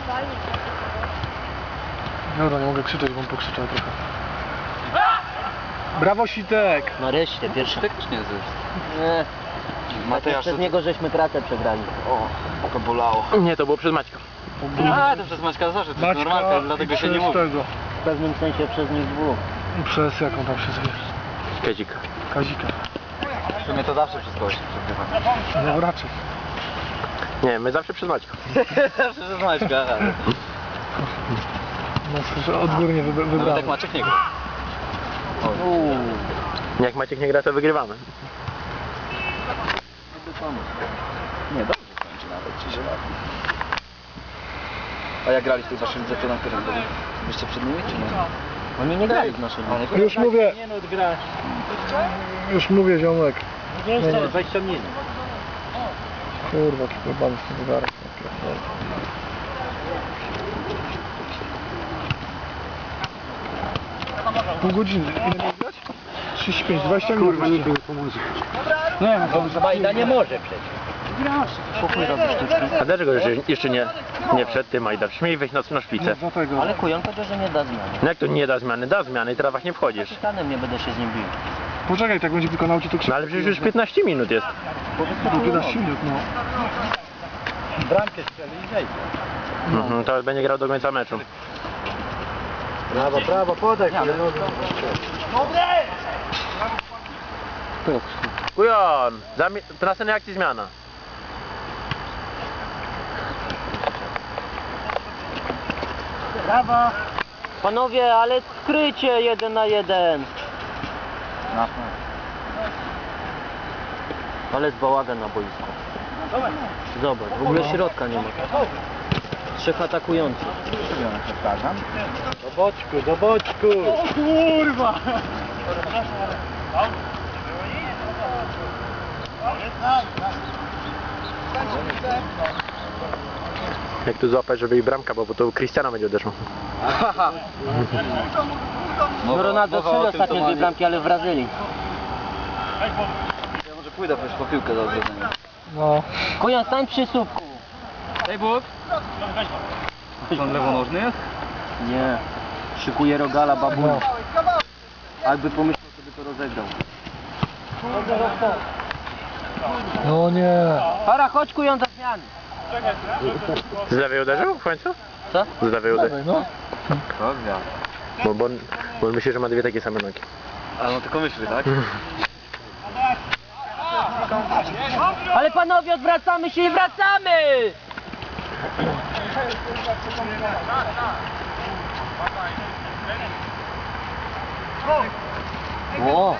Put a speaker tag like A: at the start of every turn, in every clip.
A: Dobra, nie mogę krzyczeć, bo on pokrzyczał trochę. Brawo, Sitek!
B: Nareszcie, pierwszy.
C: Sitek też nie jest.
B: Nie.
C: Mateusz,
B: Przez niego żeśmy kratę przegrali.
C: O, to bolało.
D: Nie, to było przez Maćka.
C: A, to przez Maćka zawsze, to jest normalka, dlatego się nie mówi.
B: W pewnym sensie przez nich dwóch.
A: Przez jaką tam się zwie?
D: Kazika.
A: Kazika.
C: W sumie to zawsze przez kogoś się przegrywa.
A: No raczej.
D: Nie, my zawsze przez Maćka.
C: Zawsze przez Maćka, aha.
A: No że odgórnie
C: Nawet
A: wybrałem.
C: jak Maciek nie gra.
D: Jak Maciek nie gra, to wygrywamy.
C: Nie, dobrze kończy nawet, 3 lata. A jak grali w tych waszym lidze, to na którym byli? Byście przed nimi, czy nie?
B: Oni nie grali w naszej
C: Oni
B: lidze.
A: Już mówię,
B: Nie no, grasz.
A: już mówię, ziomek.
B: Nie,
A: No, no.
B: 20 minut.
A: Kurwa, jaki pojebany z tym zegarek. Pół godziny. Ile miał grać? 35, 20 minut. Kurwa, nikt mi nie pomoże. Nie wiem,
B: Majda nie może przecież.
A: pokój robi sztuczki.
D: A dlaczego jeszcze nie wszedł ty, Majda? Śmiej wejść na szpicę.
A: Dlatego.
B: Ale kujon powiedział, że nie da zmiany.
D: No jak to nie da zmiany? Da zmiany i teraz właśnie wchodzisz.
B: Kapitanem nie będę się z nim bił.
A: Poczekaj, tak będzie wykonał ci to krzywdę.
D: No ale przecież już 15 minut jest.
A: No 15 minut, no.
B: Bramkę strzeli i wejdzie.
D: Mhm, to będzie grał do końca meczu.
B: Prawo, podaj.
D: Kujon! To następnej akcji zmiana.
B: Brawo. Panowie, ale skrycie 1 na 1. Ale jest bałagan na boisku. Zobacz, w ogóle środka nie ma. 3 atakujących. Do boczku, do boczku. O kurwa!
D: Jak tu złapać, żeby i bramka, bo to Cristiano będzie uderzył.
B: No Ronaldo strzelił ostatnio 2 bramki, ale w Brazylii.
C: Ja może pójdę po piłkę do odwiedzenia.
A: No.
B: Kujon, stań przy słupku.
C: Hej Bóg! On lewonożny jest?
B: Nie. Szykuje rogala babunia.
A: No.
B: Jakby pomyślał, sobie to rozegrał.
A: No nie.
B: Para, chodź kujon za zmiany.
D: Z lewej uderzył w końcu?
B: Co?
D: Z lewej uderzył.
A: Dawaj, no.
C: Dobra.
D: Bo on myśli, że ma dwie takie same nogi.
C: A no tylko myśli, tak?
B: Ale panowie, odwracamy się i wracamy! O!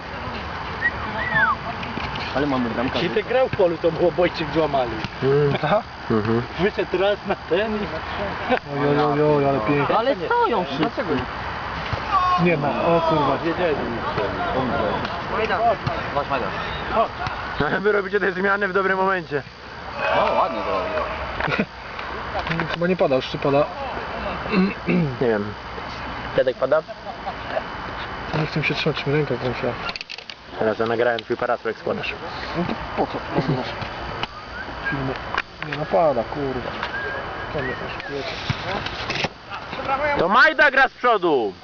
B: Ale mamy bramkę.
E: Sitek grał w polu, to było Bojczyk złamali.
A: Tak?
D: Mhm.
E: Wyszedł raz na ten i...
A: Ojojoj, ale pięknie.
B: Ale stoją wszyscy.
A: Nie ma, o kurwa.
C: Masz Majda.
D: Ale wy robicie te zmiany w dobrym momencie.
C: O, ładnie to robi.
A: Chyba nie pada, już czy pada?
D: Nie wiem. Tedek pada?
A: Nie chcę się trzymać, mi ręka kręciła.
D: Teraz ja nagrałem twój parasol, jak składasz.
A: No to po co? Filmy. Nie napada, kurwa. Co mnie oszukujecie?
D: To Majda gra z przodu!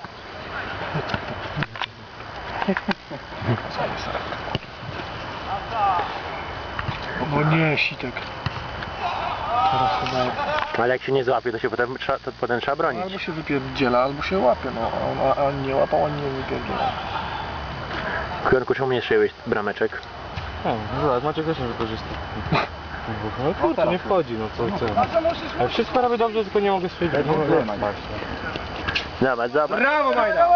A: No nie, Sitek. Teraz chyba...
D: Ale jak się nie złapie, to się potem trzeba bronić.
A: Albo się wypierdziela, albo się łapie, no. A nie łapał, ani nie wypierdziela.
D: Kujonku, czemu nie szyłeś brameczek?
E: O, zobacz, Maciek też nie wykorzysta. No kurczę, nie wchodzi, no co? Ale wszystko robię dobrze, tylko nie mogę stwierdzić.
D: Zobacz, zobacz.
A: Brawo, Majda!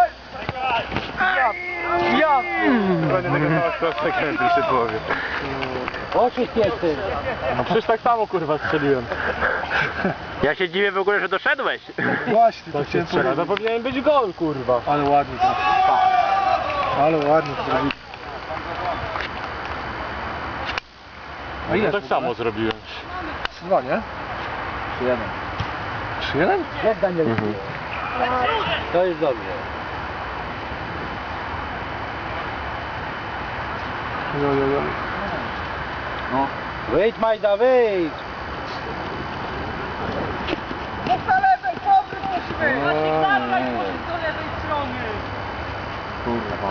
E: Dokładnie tego samego konsekwencji się połowie.
B: Oczy piecy.
E: No przecież tak samo kurwa strzeliłem.
D: Ja się dziwię w ogóle, że doszedłeś.
A: Właśnie, to
E: To się
A: chciałem
E: strzela, to
A: powiedzieć.
E: powinien być gol kurwa.
A: Ale ładnie to. Ale ładnie to zrobili. A ile
E: Ja tak samo zrobiłem.
A: 3-2, nie?
C: 3-1.
A: 3-1?
B: Jak Daniel?
D: Mhm.
B: To jest dobrze.
A: Jojojoj.
C: No.
B: Wyjdź Majda, wyjdź!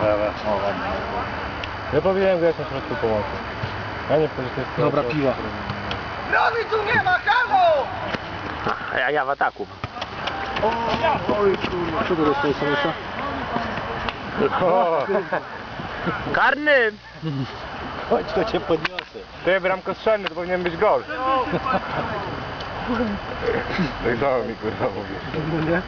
E: Ja powinienem grać na środku pomocy. Ja nie wchodzę w tej sytuacji.
A: Dobra, piła.
D: A ja w ataku.
A: Oj kurwa, co to dostał Samusa?
E: O,
D: Karny!
E: chodź, to cię podniosę. Ty, bramkostrzelny, to powinien być gol. Tak samo mi kurwa mówi.
A: No nie?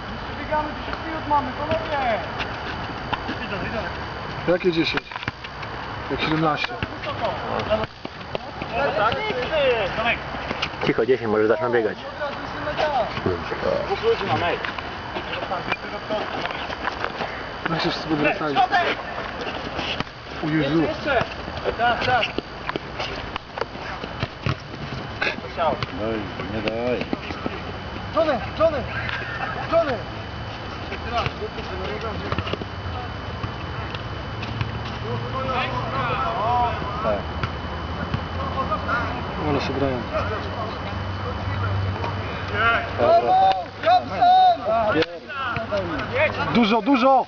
A: Jakie 10? Jak 17?
D: Cicho, 10, może zaczną biegać.
A: No się wszyscy wracali. O Jezu. Ale się grają. Dużo, dużo!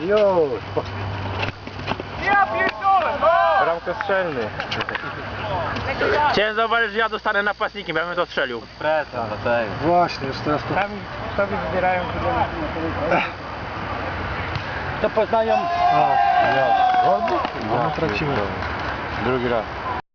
E: Bramkostrzelny.
D: Chciałem zauważyć, że ja dostanę napastnikiem, ja bym to strzelił.
C: Presa, no tak.
A: Właśnie, już teraz to...
E: Sobie wybierają
C: To poznają.
A: No, tracimy.
E: drugi raz.